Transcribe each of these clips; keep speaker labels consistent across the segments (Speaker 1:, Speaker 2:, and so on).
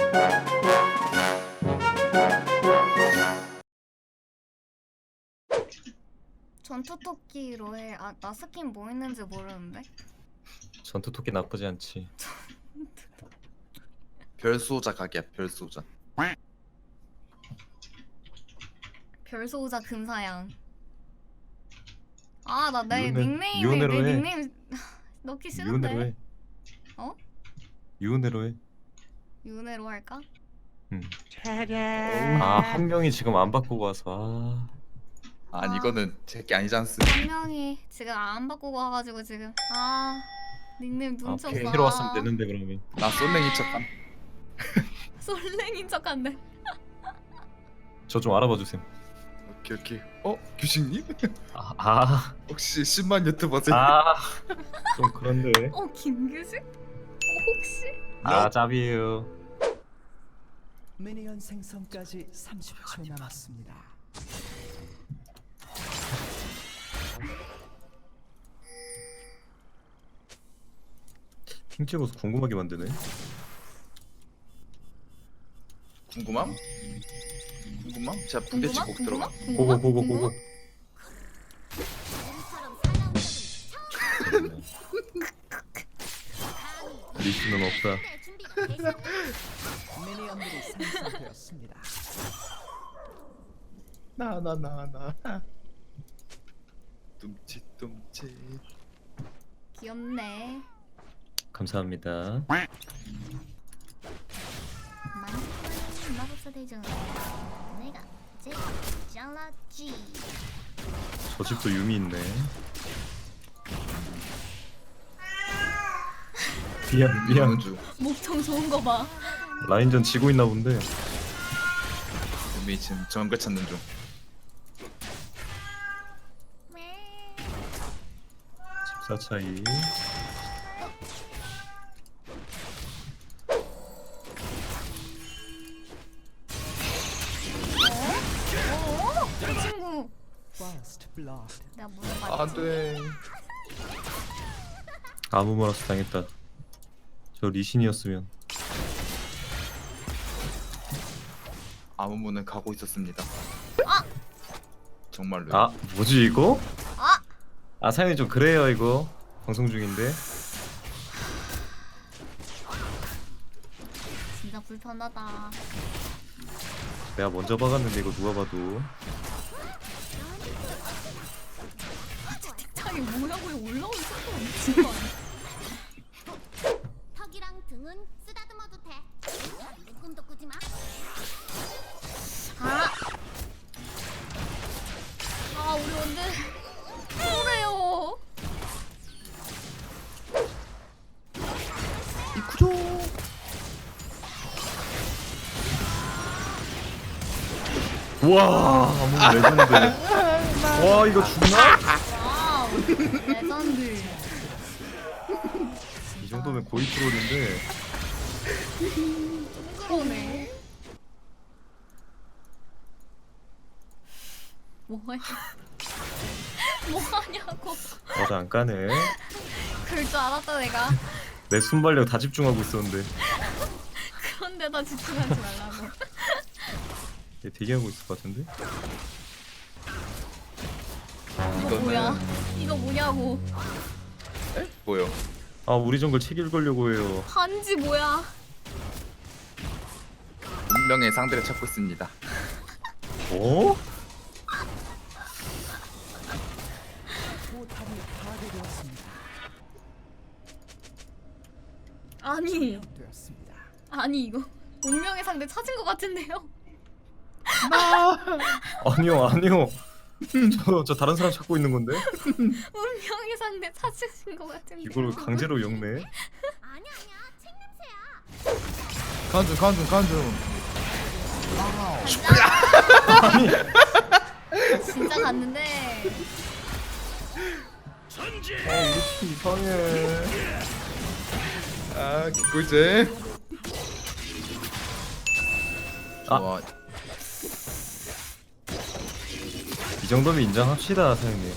Speaker 1: 전투토끼로 해. 아, 나 스킨 뭐 있는지 모르는데.
Speaker 2: 전투토끼 나쁘지 않지.
Speaker 3: 별수호자 각이야 별수호자.
Speaker 1: 별소우자 금사양. 아, 나 내
Speaker 2: 유은혜-
Speaker 1: 닉네임에
Speaker 2: 유은혜로
Speaker 1: 내
Speaker 2: 해.
Speaker 1: 닉네임 넣기
Speaker 2: 유은혜로
Speaker 1: 싫은데.
Speaker 2: 해.
Speaker 1: 어?
Speaker 2: 유은혜로 해.
Speaker 1: 유은혜로 할까?
Speaker 2: 아, 한 명이 지금 안 바꾸고 와서.
Speaker 3: 아니
Speaker 1: 아.
Speaker 3: 이거는 제게 아니지 않습.
Speaker 1: 한 명이 지금 안 바꾸고 와가지고 지금 닉네임
Speaker 2: 아,
Speaker 1: 눈쳤어.
Speaker 2: 아, 로 왔으면 되는데 그러면.
Speaker 3: 나 솔랭이 척함.
Speaker 1: 솔랭인 척한데.
Speaker 2: 저 좀 알아봐 주세요.
Speaker 3: 오케이 오케이. 규식님?
Speaker 2: 아,
Speaker 3: 혹시 10만 유튜버세요?
Speaker 2: 좀 그런데.
Speaker 1: 김규식? 혹시?
Speaker 2: 아, 짭이에요.
Speaker 4: 미니언 생성까지 30초 남았습니다.
Speaker 2: 핑 찍어서 궁금하게 만드네.
Speaker 3: 궁금함? 궁금함? 제가 부대찌 꼭 들어가.
Speaker 2: 고고. 리스는 없다.
Speaker 4: 미니언들이 생성되었습니다.
Speaker 3: 나. 뚱칫뚱칫.
Speaker 1: 귀엽네.
Speaker 2: 감사합니다.
Speaker 1: 마법사 대전. 내가 제일 잘났지.
Speaker 2: 저 집도 유미 있네. 미안.
Speaker 3: 은주.
Speaker 1: 목청 좋은 거 봐.
Speaker 2: 라인전 지고 있나 본데.
Speaker 3: 우리 지금 정글 찾는 중.
Speaker 2: 14 차이.
Speaker 1: 이 친구.
Speaker 4: First blood.
Speaker 1: 내가 물어봤지.
Speaker 3: 안돼.
Speaker 2: 아무 말없이 당했다. 저 리신이었으면.
Speaker 3: 아무 문을 가고 있었습니다. 정말로.
Speaker 2: 아, 뭐지 이거?
Speaker 1: 아!
Speaker 2: 사연이 좀 그래요 이거. 방송 중인데.
Speaker 1: 진짜 불편하다.
Speaker 2: 내가 먼저 박았는데 이거 누가 봐도.
Speaker 1: 책장에 모양이 올라온 속도가 미친 거 아니야?
Speaker 5: 턱이랑 등은 쓰다듬어도 돼. 꿈도 꾸지 마.
Speaker 1: 우리 언제 그래요?
Speaker 3: 이쿠조.
Speaker 2: 와, 아무 레전드. 와, 이거 죽나?
Speaker 1: 와우, 레전드.
Speaker 2: 이 정도면 고이 트롤인데.
Speaker 1: 그러네. 뭐해? 뭐하냐고.
Speaker 2: 맞아, 안 까네.
Speaker 1: 그럴 줄 알았다 내가.
Speaker 2: 내 순발력 다 집중하고 있었는데.
Speaker 1: 그런데다 집중하지 말라고.
Speaker 2: 얘 대기하고 있을 것 같은데?
Speaker 1: 이거 뭐야? 이거 뭐냐고.
Speaker 3: 뭐요?
Speaker 2: 아, 우리 정글 책 읽으려고 해요.
Speaker 1: 한지 뭐야?
Speaker 3: 운명의 상대를 찾고 있습니다.
Speaker 2: 어?
Speaker 4: 포탑이 파괴되었습니다. 되었습니다.
Speaker 1: 아니 이거 운명의 상대 찾은 것 같은데요?
Speaker 2: 아니요. 저 다른 사람 찾고 있는 건데?
Speaker 1: 운명의 상대 찾으신 것 같은데.
Speaker 2: 이걸 강제로 엮네.
Speaker 5: 아니야. 책 냄새야.
Speaker 3: 간중.
Speaker 1: 진짜 갔는데.
Speaker 2: 우리 이상해.
Speaker 3: 개꿀잼.
Speaker 2: 아. 이 정도면 인정합시다, 사장님.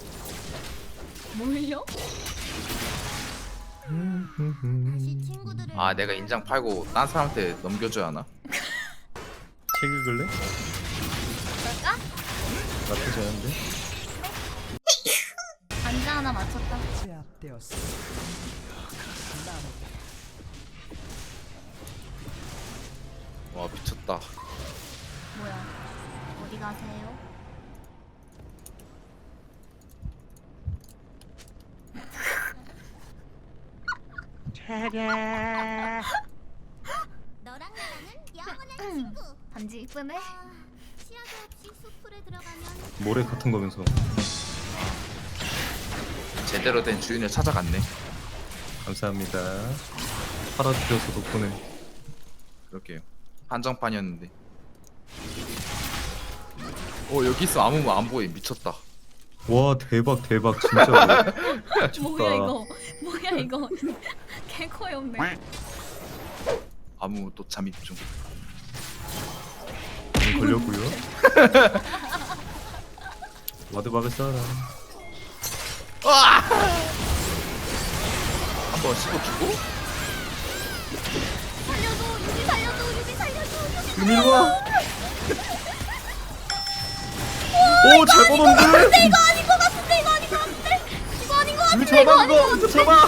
Speaker 1: 뭘요?
Speaker 5: 다시 친구들을
Speaker 3: 아 내가 인장 팔고 딴 사람한테 넘겨줘야 하나?
Speaker 2: 책 읽을래?
Speaker 1: 그럴까?
Speaker 2: 나쁘지 않은데?
Speaker 1: 반자 하나 맞췄다.
Speaker 4: 제압되었습니다. 남은
Speaker 3: 와 미쳤다.
Speaker 1: 뭐야? 어디 가세요?
Speaker 5: 너랑 나랑은 영원한 친구.
Speaker 1: 반지 이쁘네.
Speaker 5: 시야도 없이 숲으로 들어가면
Speaker 2: 모래 같은 거면서.
Speaker 3: 제대로 된 주인을 찾아갔네.
Speaker 2: 감사합니다. 팔아주셔서 덕분에.
Speaker 3: 그렇게요. 한정판이었는데. 여기 있어. 아무 안 보여. 미쳤다.
Speaker 2: 와 대박 대박 진짜로.
Speaker 1: 뭐야 이거? 뭐야 이거? 개코이 없네.
Speaker 3: 아무 또 잠입 중.
Speaker 2: 걸렸고요. 와드 막을 사람.
Speaker 3: 한번 씹어주고.
Speaker 1: 살려줘, 유비 살려줘, 유비 살려줘, 유비.
Speaker 2: 일로 와. 오, 잘 뻗었는데?
Speaker 1: 이거 아닌 것 같은데, 이거 아닌 것 같은데, 이거 아닌 것 같은데,
Speaker 2: 이거
Speaker 1: 이거
Speaker 2: 잡아,
Speaker 1: 아닌 것
Speaker 2: 이거
Speaker 1: 같은데.
Speaker 2: 잡아.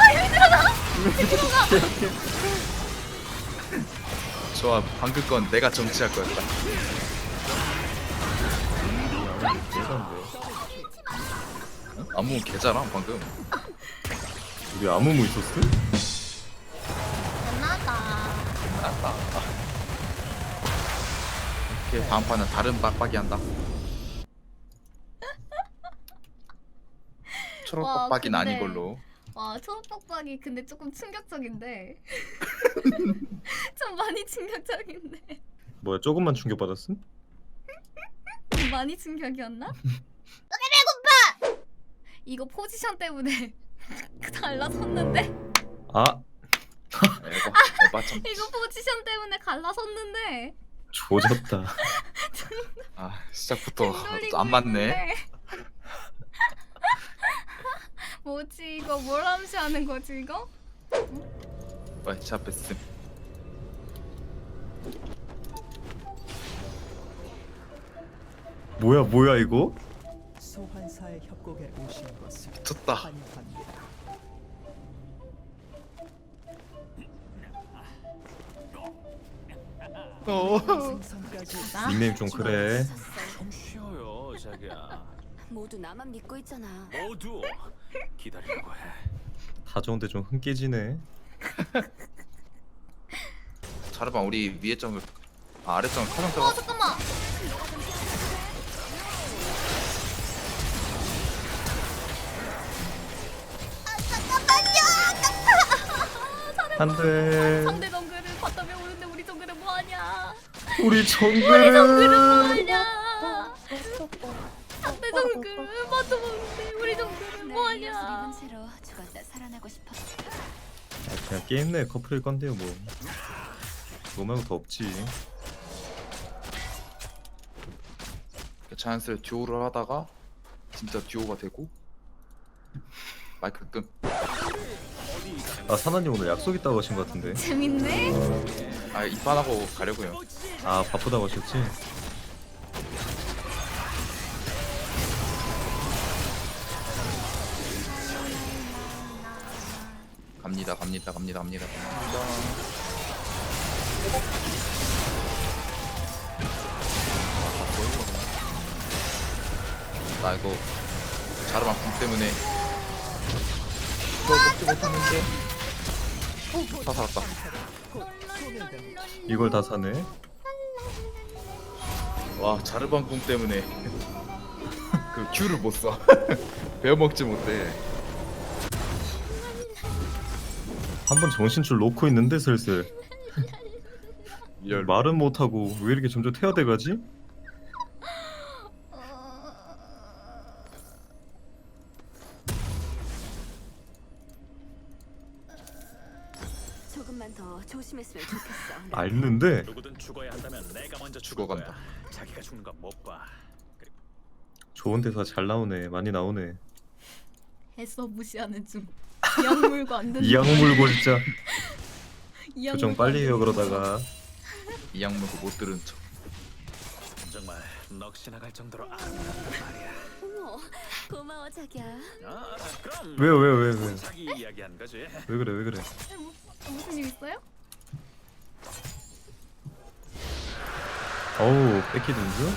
Speaker 3: 좋아. 방금 건 내가 정치할 거였다. 아무 개잖아 방금.
Speaker 2: 우리 아무무 있었어?
Speaker 1: 끝났다.
Speaker 3: 났다. 오케이 다음 판은 다른 빡빡이 한다. 초록
Speaker 1: 와,
Speaker 3: 빡빡이는
Speaker 1: 근데-
Speaker 3: 아닌 걸로.
Speaker 1: 와, 초록박박이 근데 조금 충격적인데. 좀 많이 충격적인데.
Speaker 2: 뭐야 조금만 충격받았음?
Speaker 1: 좀 많이 충격이었나? 배고파! 이거 포지션 때문에 갈라섰는데?
Speaker 2: 아
Speaker 3: 에바 참.
Speaker 1: 이거 포지션 때문에 갈라섰는데?
Speaker 2: 조졌다.
Speaker 3: 아 시작부터
Speaker 1: 돌리고
Speaker 3: 안 맞네.
Speaker 1: 있는데. 뭐지 이거 뭘 암시하는 거지 이거?
Speaker 3: 와 제압했음.
Speaker 2: 뭐야 이거?
Speaker 4: 소환사의 협곡에 오신 것을
Speaker 3: 미쳤다.
Speaker 4: 환영합니다. 생선까지
Speaker 1: 나?
Speaker 2: 닉네임 좀 그래.
Speaker 6: 좀 쉬어요, 자기야.
Speaker 7: 모두 나만 믿고 있잖아.
Speaker 6: 모두 기다리라고 해.
Speaker 2: 다 좋은데 좀 흥 깨지네.
Speaker 3: 자르반 우리 위에 점을 아래 점을 카정
Speaker 1: 어
Speaker 3: 들어가.
Speaker 1: 잠깐만.
Speaker 2: 안돼.
Speaker 1: 상대 정글을 바텀에 오는데 우리 정글은 뭐하냐?
Speaker 2: 우리
Speaker 1: 정글은
Speaker 2: 정글은.
Speaker 1: 뭐하냐? 상대 정글은 바텀 오는데 우리 정글은 뭐하냐?
Speaker 7: 채로 죽었다 살아나고 싶어.
Speaker 2: 그냥 게임 내 커플일 건데요 뭐. 그거 말고 더 없지.
Speaker 3: 자연스레 듀오를 하다가 진짜 듀오가 되고 마이크 끔.
Speaker 2: 아 사나님 오늘 약속 있다고 하신 것 같은데.
Speaker 1: 재밌네.
Speaker 3: 아 입반하고 가려고요.
Speaker 2: 아 바쁘다고 하셨지?
Speaker 3: 갑니다. 나 이거 자르반 궁 때문에 이걸 먹지 못하는데. 다 살았다.
Speaker 2: 이걸 다 사네.
Speaker 3: 와 자르반 궁 때문에 그 Q를 못 써. 배워 먹지 못해.
Speaker 2: 한 번 정신줄 놓고 있는데 슬슬.
Speaker 3: 리얼.
Speaker 2: 말은 못하고 왜 이렇게 점점 태워대가지?
Speaker 7: 조금만 더 조심했으면 좋겠어.
Speaker 2: 알는데
Speaker 6: 누구든 죽어야 한다면 내가 먼저
Speaker 3: 죽어간다.
Speaker 6: 죽어간다. 자기가 죽는 건 못 봐. 그리고
Speaker 2: 좋은 대사 잘 나오네. 많이 나오네.
Speaker 1: 애써 무시하는 중. 약물고 안 된다.
Speaker 2: 이 악물고 진짜.
Speaker 1: 이
Speaker 2: 표정
Speaker 1: 양반
Speaker 2: 빨리 해요
Speaker 1: 되게
Speaker 2: 그러다가.
Speaker 3: 이 양무도 못 들은 척.
Speaker 6: 정말 넋이 나갈 정도로 아름답단 말이야.
Speaker 7: 어머, 고마워 자기야.
Speaker 6: 아, 그럼
Speaker 2: 왜요 왜요 왜요 왜요?
Speaker 6: 자기 이야기한 거지.
Speaker 2: 왜 그래 왜 그래?
Speaker 1: 무슨 일 있어요?
Speaker 2: 어우 뺏기든지.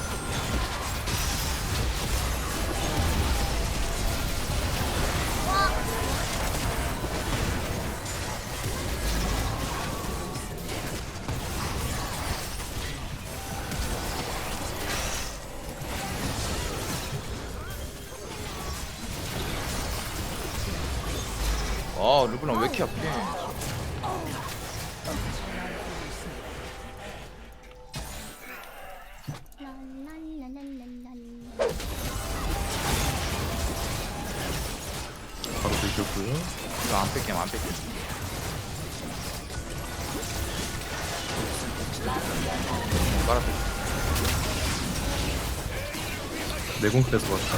Speaker 3: 아 르블랑 왜 이렇게 약해?
Speaker 5: 랄랄랄랄랄랄.
Speaker 2: 바로 들켰고요.
Speaker 3: 이거 안 뺄게 안 뺄게. 깔아.
Speaker 2: 내공 그래서 왔다.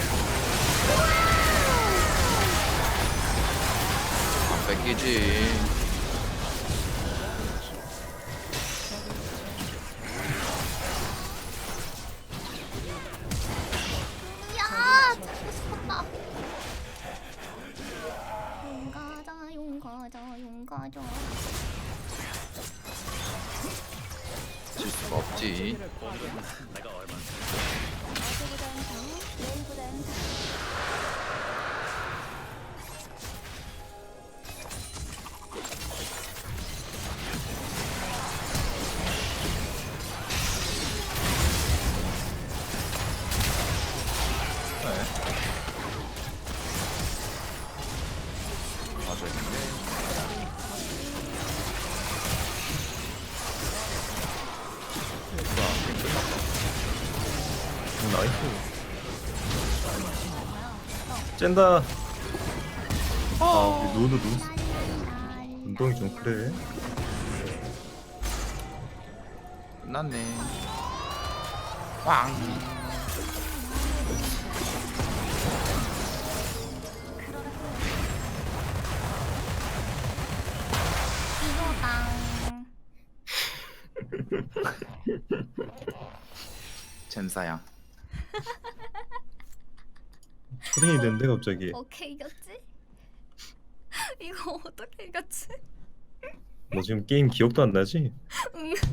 Speaker 3: 안 뺏기지.
Speaker 5: 야, 죽고 싶었다. 용 가자, 용 가자, 용 가자.
Speaker 3: 질 수가 없지.
Speaker 6: 내가 얼마
Speaker 7: 어제보단 더, 내일보단 더.
Speaker 3: 맞아 있네.
Speaker 2: 나이스. 쨘다. 아 우리 누누 운동이 좀 그래.
Speaker 3: 끝났네. 왕.
Speaker 1: 이거당.
Speaker 3: 젠사양.
Speaker 2: 초딩이 됐는데 갑자기.
Speaker 1: 오케이 이겼지? 이거 어떻게 이겼지?
Speaker 2: 너 지금 게임 기억도 안 나지?
Speaker 1: 응.